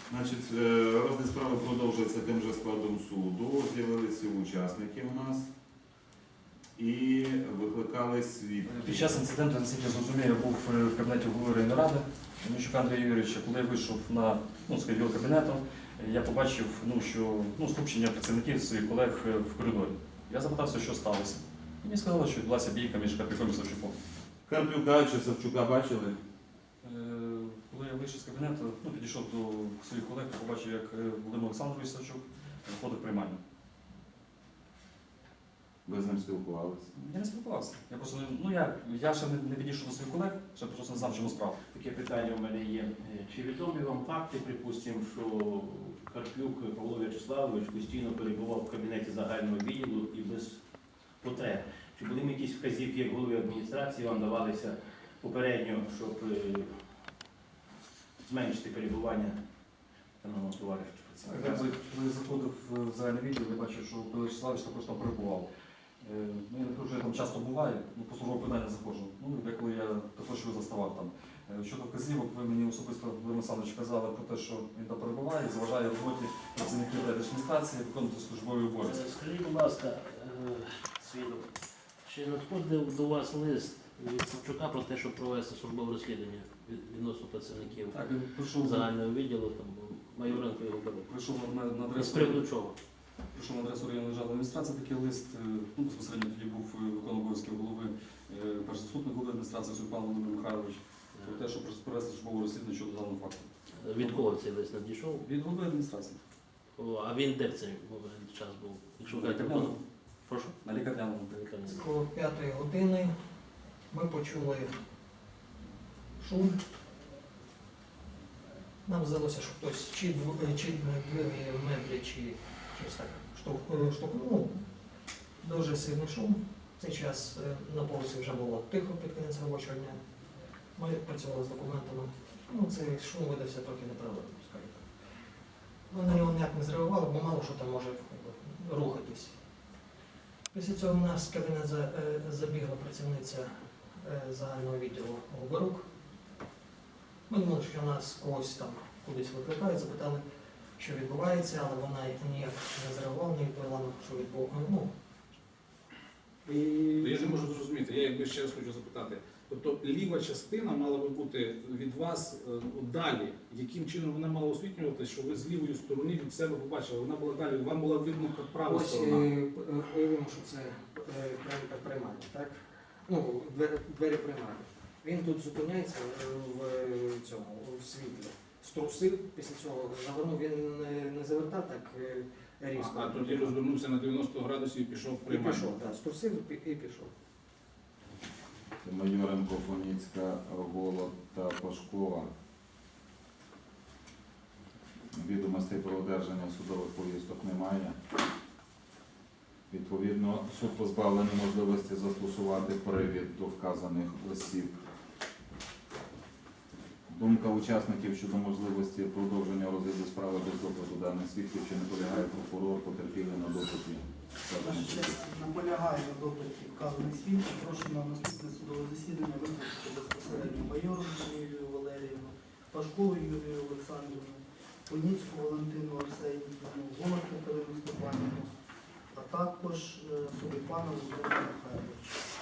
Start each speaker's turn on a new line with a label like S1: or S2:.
S1: Значить, розгляд справи продовжується тим же складом суду. З'явилися учасники у нас і викликали свідків.
S2: Під час інциденту, наскільки я зрозумів, я був в кабінеті голови районної ради Міщука Андрія Юрійовича. Коли я вийшов на його кабінету, я побачив, що скупчення працівників своїх колег в коридорі. Я запитався, що сталося. І мені сказали, що відбулася бійка між Карпюком і Савчуком.
S1: Карпюка чи Савчука бачили?
S2: Коли я вийшов з кабінету, підійшов до своїх колег, побачив, як Володимир Олександрович Савчук виходив в приймальню.
S1: Ви з ним спілкувалися?
S2: Я не спілкувався. Я просто я ще не підійшов до своїх колег, ще просто не знав, чому справа.
S3: Таке питання у мене є. Чи відомі вам факти, припустимо, що Карпюк Павло В'ячеславович постійно перебував в кабінеті загального відділу і без потреб? Чи були якісь вказівки, як голови адміністрації, вам давалися попередньо, щоб зменшити перебування даного товариша?
S2: Коли я заходив в загальний відділ, я бачив, що Павло В'ячеславович також там перебував. Я не кажу, що я там часто буваю, по службове питання заходжу. Деколи я також його заставав там. Щодо вказівок, ви мені особисто, Володимир Олександрович, казали про те, що він там перебуває, заважає роботі працівників адміністрації виконувати службові обов'язки.
S4: Скажіть, будь ласка, свідок, чи надходив до вас лист від Савчука про те, щоб провести службове розслідування відносно працівників
S2: Так, він прийшов
S4: загального відділу, там, Майоренко його беруть?
S2: Прийшов на
S4: З
S2: адресу.
S4: приводу чого?
S2: Прийшов на адресу районної державної адміністрації такий лист, безпосередньо тоді був виконувач обов'язків голови, перший заступник голови адміністрації Сульпан Володимир Михайлович, про те, щоб провести службове розслідування щодо даного факту.
S4: Від кого цей лист надійшов?
S2: Від голови адміністрації.
S4: А він де в цей час був? Якщо ви кажете,
S2: Лікарняному.
S4: прошу?
S2: На лікарняному.
S4: На лікарняному.
S5: Коло 5-ї години ми почули шум. Нам здалося, що хтось чи двері меблі, чи щось так штовхнув. Дуже сильний шум. В цей час на вулиці вже було тихо під кінець робочого дня. Ми працювали з документами. Цей шум видався трохи неправильним, скажімо так. Ми на нього ніяк не зреагували, бо мало що там може рухатись. Після цього в нас в кабінет забігла працівниця загального відділу Голборук. Ми думали, що нас когось там кудись викликають, запитали, що відбувається, але вона ніяк не зреагувала, не відповіла, що відбувається.
S6: Я не можу зрозуміти, я якби ще раз хочу запитати. Тобто ліва частина мала би бути від вас далі. Яким чином вона мала освітлювати, що ви з лівої сторони від себе побачили? Вона була далі, вам була видно права сторона.
S5: Уявимо, що це приймальня, так? Двері приймальні. Він тут зупиняється в цьому, в світлі. Струсив, після цього завернув, він не завертав так різко.
S6: А тоді розвернувся на 90 градусів і пішов в приймальню.
S5: І пішов, так, струсив і пішов.
S1: Майоренко, Фоніцька, Голод та Пашкова. Відомостей про одержання судових повісток немає. Відповідно, суд позбавлений можливості застосувати привід до вказаних осіб. Думка учасників щодо можливості продовження розгляду справи без допиту даних свідків, чи не полягає прокурор, потерпілий на допиті.
S7: Наполягає на допиті вказаних свідків. Прошу на наступне судове засідання викликати безпосередньо Майору Юлію Валеріївну, Пашкову Юлію Олександрівну, Поніцьку Валентину Арсенівну, Голод Катерину Степанівну, а також Сулейпана Володимира Михайловича.